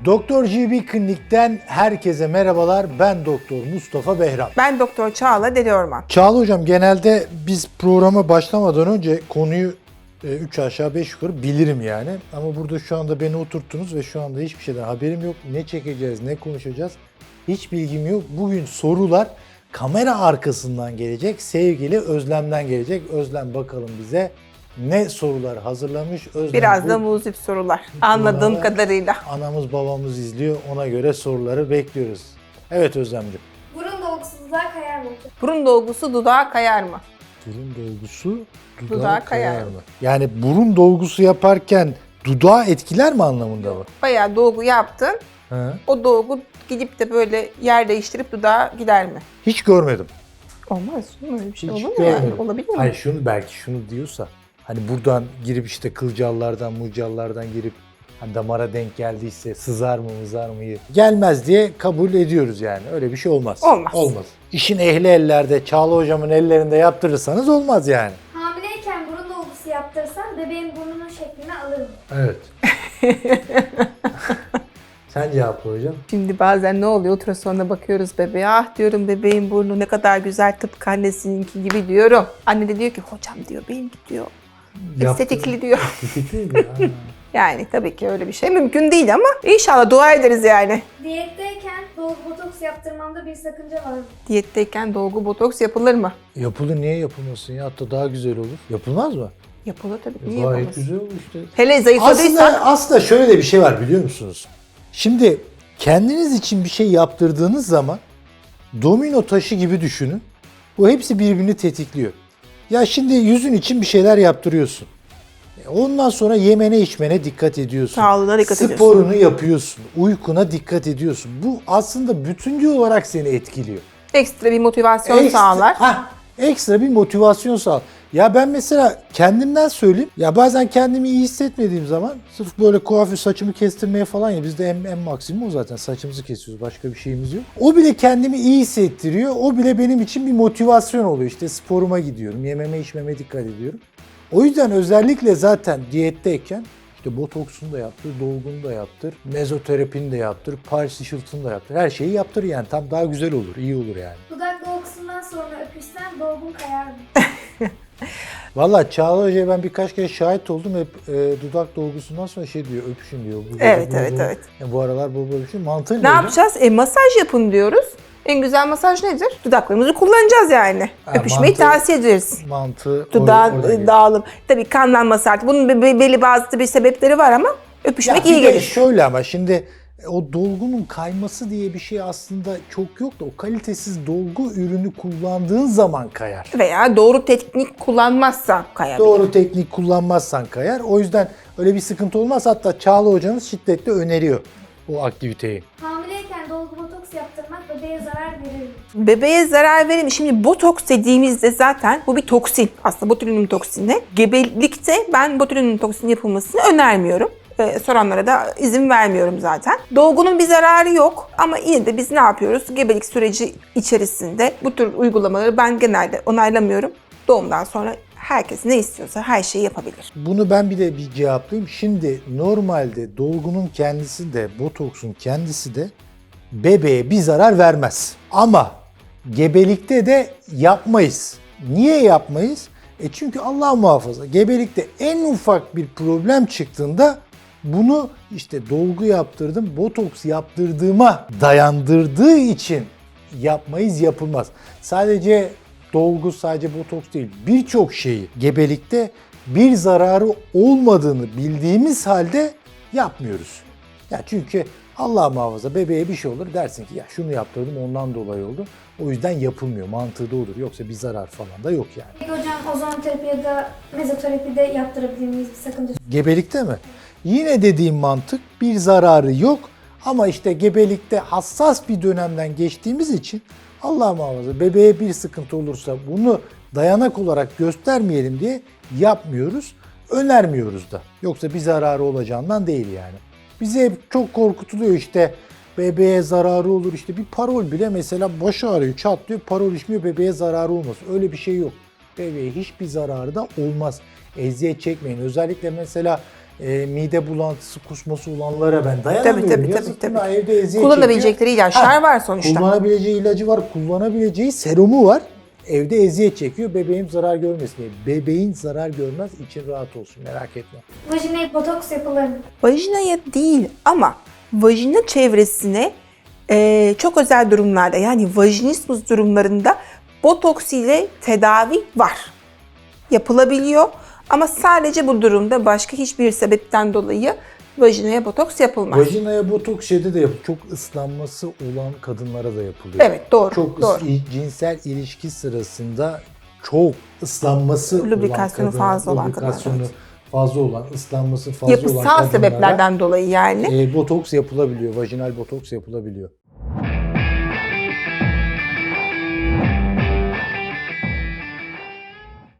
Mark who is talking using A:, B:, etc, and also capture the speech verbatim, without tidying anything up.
A: Doktor G B Klinik'ten herkese merhabalar. Ben Doktor Mustafa Behram.
B: Ben Doktor Çağla Deliorman.
A: Çağla hocam, genelde biz programa başlamadan önce konuyu üç aşağı beş yukarı bilirim yani. Ama burada şu anda beni oturttunuz ve şu anda hiçbir şeyden haberim yok. Ne çekeceğiz, ne konuşacağız hiç bilgim yok. Bugün sorular kamera arkasından gelecek. Sevgili Özlem'den gelecek. Özlem bakalım bize ne sorular hazırlamış. Özlem,
B: Biraz
A: bu,
B: da muzip sorular anladığım
A: Buna,
B: kadarıyla.
A: Anamız babamız izliyor, ona göre soruları bekliyoruz. Evet Özlemciğim.
C: Burun dolgusu dudağa kayar mı?
B: Burun dolgusu dudağa kayar mı?
A: Burun dolgusu dudağa,
B: Dudağa
A: kayar,
B: kayar
A: mı?
B: mı?
A: Yani burun dolgusu yaparken dudağı etkiler mi anlamında mı?
B: Bayağı dolgu yaptın.
A: Hı.
B: O dolgu gidip de böyle yer değiştirip dudağa gider mi?
A: Hiç görmedim.
B: Olmaz. Öyle bir şey
A: Hiç
B: olur mu yani?
A: görmedim.
B: Olabilir mi?
A: Hayır, şunu belki şunu diyorsa, hani buradan girip işte kılcallardan, mucallardan girip hani damara denk geldiyse sızar mı mızar mı gelmez diye kabul ediyoruz yani. Öyle bir şey olmaz.
B: Olmaz.
A: Olmaz. İşin ehli ellerde, Çağla hocamın ellerinde yaptırırsanız olmaz yani.
C: Hamileyken burun dolgusu yaptırsan bebeğin burnunun şeklini alır mı?
A: Evet. Sen cevapla hocam.
B: Şimdi bazen ne oluyor? Ultrasonda bakıyoruz bebeğe. Ah diyorum, bebeğin burnu ne kadar güzel, tıpkı annesininki gibi diyorum. Anne de diyor ki hocam diyor, benimki diyor estetikli diyor.
A: Estetikli mi? Ha.
B: Yani tabii ki öyle bir şey mümkün değil ama inşallah dua ederiz yani.
C: Diyetteyken dolgu botoks yaptırmamda bir sakınca var mı?
B: Diyetteyken dolgu botoks yapılır mı?
A: Yapılır, niye yapılmasın ya? Hatta daha güzel olur. Yapılmaz mı?
B: Yapılır tabii. Niye
A: Gayet
B: yapılmaz?
A: güzel olur işte.
B: Hele zayıfladıysan.
A: Aslında, aslında şöyle de bir şey var, biliyor musunuz? Şimdi kendiniz için bir şey yaptırdığınız zaman domino taşı gibi düşünün. Bu hepsi birbirini tetikliyor. Ya şimdi yüzün için bir şeyler yaptırıyorsun. Ondan sonra yemene içmene dikkat ediyorsun.
B: Sağlığına dikkat ediyorsun.
A: Sporunu yapıyorsun. Uykuna dikkat ediyorsun. Bu aslında bütüncül olarak seni etkiliyor.
B: Ekstra bir motivasyon
A: Ekstra-
B: sağlar.
A: Hah, ekstra bir motivasyon sağlar. Ya ben mesela kendimden söyleyeyim. Ya bazen kendimi iyi hissetmediğim zaman sırf böyle kuaför saçımı kestirmeye falan, ya bizde en, en maksimum o zaten, saçımızı kesiyoruz, başka bir şeyimiz yok. O bile kendimi iyi hissettiriyor. O bile benim için bir motivasyon oluyor. İşte sporuma gidiyorum, yememe içmeme dikkat ediyorum. O yüzden özellikle zaten diyetteyken işte botoksunu da yaptır, dolgunu da yaptır, mezoterapini de yaptır, Paris ışıltını da yaptır. Her şeyi yaptır yani. Tam daha güzel olur, iyi olur yani.
C: Dudak dolgusundan sonra öpüşsen dolgun kayar mı?
A: Vallahi Çağla Hoca'ya ben birkaç kere şahit oldum. Hep e, dudak dolgusundan sonra şey diyor, öpüşün diyor. Bu,
B: Evet,
A: bu,
B: evet,
A: bu,
B: evet.
A: Ya bu aralar bol bol öpüşün. Mantığı ne
B: Ne
A: hocam?
B: yapacağız? E masaj yapın diyoruz. En güzel masaj nedir? Dudaklarımızı kullanacağız yani.
A: Ha,
B: Öpüşmeyi
A: mantığı-
B: tavsiye ederiz.
A: Mantığı
B: Dudağın
A: or- oradan geliyor.
B: dağılım. Tabii kanlanması artık. Bunun be- be- belli bazı bir sebepleri var ama öpüşmek
A: Ya
B: iyi
A: bir de
B: gelir.
A: şöyle, ama şimdi o dolgunun kayması diye bir şey aslında çok yok da, o kalitesiz dolgu ürünü kullandığın zaman kayar.
B: Veya doğru teknik kullanmazsa kayabilir.
A: Doğru teknik kullanmazsan kayar. O yüzden öyle bir sıkıntı olmaz. Hatta Çağla hocamız şiddetle öneriyor bu aktiviteyi.
C: Hamileyken dolgu botoks yaptırmak bebeğe zarar verir mi?
B: Bebeğe zarar verir mi? Şimdi botoks dediğimizde zaten bu bir toksin. Aslında botulinum toksini. Gebelikte ben botulinum toksini yapılmasını önermiyorum. Ee, soranlara da izin vermiyorum zaten. Dolgunun bir zararı yok ama yine de biz ne yapıyoruz? Gebelik süreci içerisinde bu tür uygulamaları ben genelde onaylamıyorum. Doğumdan sonra herkes ne istiyorsa her şeyi yapabilir.
A: Bunu ben bir de bir cevaplayayım. Şimdi normalde dolgunun kendisi de, botoksun kendisi de bebeğe bir zarar vermez. Ama gebelikte de yapmayız. Niye yapmayız? E çünkü Allah muhafaza, gebelikte en ufak bir problem çıktığında bunu işte dolgu yaptırdım, botoks yaptırdığıma dayandırdığı için yapmayız, yapılmaz. Sadece dolgu, sadece botoks değil, birçok şeyi gebelikte bir zararı olmadığını bildiğimiz halde yapmıyoruz. Ya çünkü Allah muhafaza bebeğe bir şey olur, dersin ki ya şunu yaptırdım ondan dolayı oldu. O yüzden yapılmıyor. Mantığı da odur. Yoksa bir zarar falan da yok yani.
C: Peki hocam ozonoterapi ya da mezoterapide yaptırabilir miyiz, bir sakınca?
A: Gebelikte mi? Yine dediğim mantık, bir zararı yok. Ama işte gebelikte hassas bir dönemden geçtiğimiz için Allah muhafaza bebeğe bir sıkıntı olursa bunu dayanak olarak göstermeyelim diye yapmıyoruz. Önermiyoruz da. Yoksa bir zararı olacağından değil yani. Bize hep çok korkutuluyor işte, bebeğe zararı olur, işte bir parol bile mesela baş ağrıyor, çatlıyor, parol içmiyor, bebeğe zararı olmaz. Öyle bir şey yok. Bebeğe hiçbir zararı da olmaz. Eziyet çekmeyin. Özellikle mesela e, mide bulantısı, kusması olanlara ben dayanamıyorum.
B: Tabii, tabii,
A: Yazık
B: tabii,
A: günah,
B: tabii.
A: evde eziyet
B: Kullanabilecekleri
A: çekiyor.
B: ilaçlar
A: Ha,
B: var sonuçta.
A: Kullanabileceği ilacı var, kullanabileceği serumu var. Evde eziyet çekiyor, bebeğim zarar görmesin diye. Bebeğin zarar görmez, için rahat olsun, merak etme.
C: Vajinaya botoks yapılır mı?
B: Vajinaya değil ama vajina çevresine e, çok özel durumlarda, yani vajinismus durumlarında botoks ile tedavi var. Yapılabiliyor ama sadece bu durumda, başka hiçbir sebepten dolayı vajinaya botoks yapılmaz.
A: Vajinaya botoks şeyde de yapılıyor. Çok ıslanması olan kadınlara da yapılıyor.
B: Evet, doğru.
A: Çok
B: doğru.
A: ıs- cinsel ilişki sırasında çok ıslanması
B: Lubrikasyonu
A: olan kadın,
B: fazla olan
A: lubrikasyonu
B: kadınlar,
A: fazla olan, ıslanması fazla olan
B: Yapısal
A: kadınlara
B: sebeplerden dolayı yani.
A: e, botoks yapılabiliyor. Vajinal botoks yapılabiliyor.